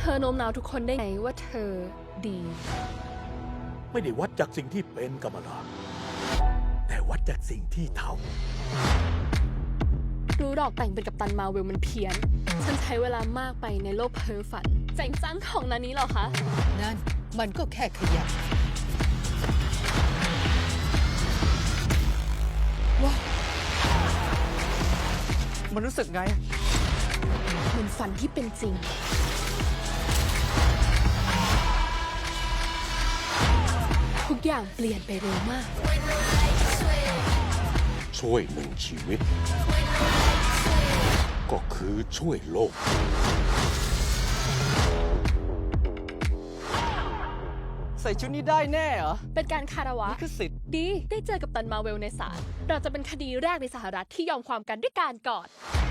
อโน้มน้าวทุกคนได้ไงว่าเธอดีไม่ได้วัดจากสิ่งที่เป็นกรรมลาแต่วัดจากสิ่งที่ทรู้ดอกแต่งเป็นกัปตันมาเวลมันเพี้ยน ฉันใช้เวลามากไปในโลกเพ้อฝันเจ๋งจังของนานี้เหรอคะนั่นมันก็แค่ขยะมันรู้สึกไงเหมือนฝันที่เป็นจริง ทุกอย่างเปลี่ยนไปเร็วมากำช่วยหนึ่งชีวิต ก็คือช่วยโลกใส่ชุดนี้ได้แน่เหรอเป็นการคารวะนี่คือสิทธิ์ดีได้เจอกับตันมาเวลในศาลเราจะเป็นคดีแรกในสหรัฐที่ยอมความกันด้วยการกอด